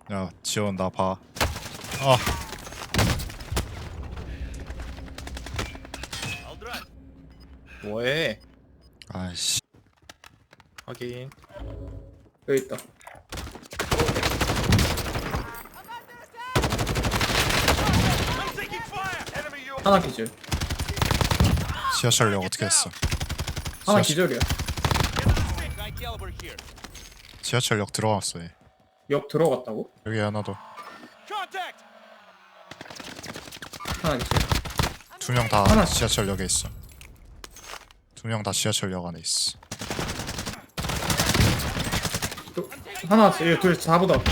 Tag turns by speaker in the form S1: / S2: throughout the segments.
S1: 야 지원 나 봐. 아
S2: 뭐해?
S1: 아이씨.
S2: 확인.
S3: 여기 있다. 하나 기절.
S1: 지하철역 어떻게 했어?
S3: 하나
S1: 지하철-
S3: 기절이야.
S1: 지하철역 들어갔어 얘.
S3: 역 들어갔다고?
S1: 여기 하나 더.
S3: 하나 기절.
S1: 두 명 다
S3: 하나.
S1: 지하철역에 있어. 두 명 다 지하철역 안에 있어.
S3: 또 하나 왔어. 얘 둘 4보다.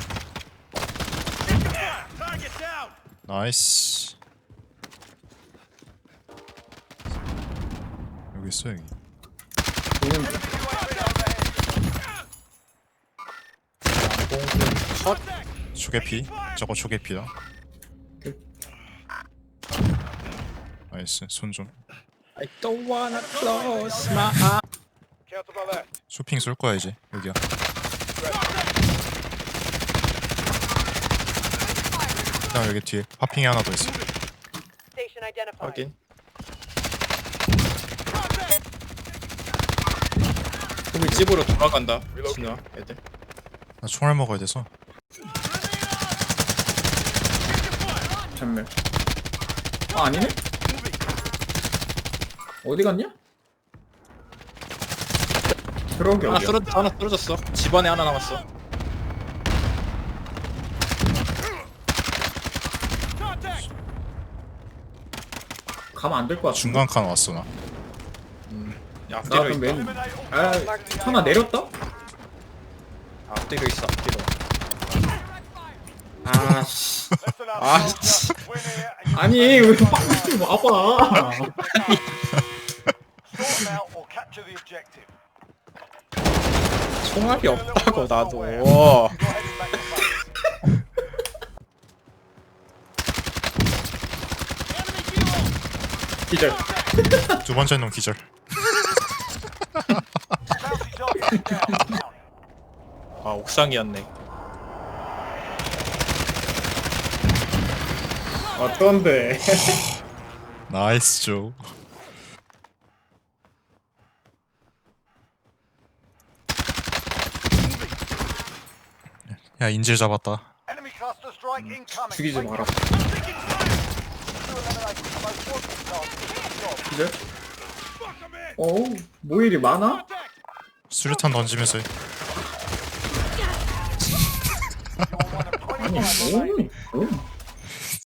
S1: 나이스. 여기 있어 여기.
S3: 보는 중.
S2: 컷.
S1: 초계피. 저거 초계피다.
S3: 오케이.
S1: 나이스. 손 좀.
S2: I don't wanna close my eyes.
S1: 쇼핑 쏠 거야 이제. 여기야. 그다음 여기 뒤에 파핑이 하나 더 있어.
S4: Station identified.
S2: 확인. 우리 집으로 돌아간다. 진우야, 애들.
S1: 나 총알 먹어야 돼서.
S3: 전멸. 아 아니네? 어디 갔냐? 트럭이
S2: 하나
S3: 어디야?
S2: 하나 쓰러졌어. 집안에 하나 남았어.
S3: 가면 안 될 것 같아.
S1: 중간 칸 왔어 나.
S2: 야,
S3: 나
S2: 앞뒤로
S3: 그럼
S2: 있다.
S3: 맨. 아 하나 내렸다?
S2: 앞뒤로 있어. 앞뒤로.
S3: 아씨.
S2: 아, 씨.
S3: 아니 왜 빵좀 와봐.
S2: 총알이 없다고 나도.
S3: 기절.
S1: 두 번째 놈 기절.
S2: 아, 옥상이었네.
S3: 어떤데?
S1: 나이스 조. 야 인질 잡았다.
S3: 죽이지 마라. 기절? 어우 뭐 일이 많아?
S1: 수류탄 던지면서 해.
S3: 아니 뭐니?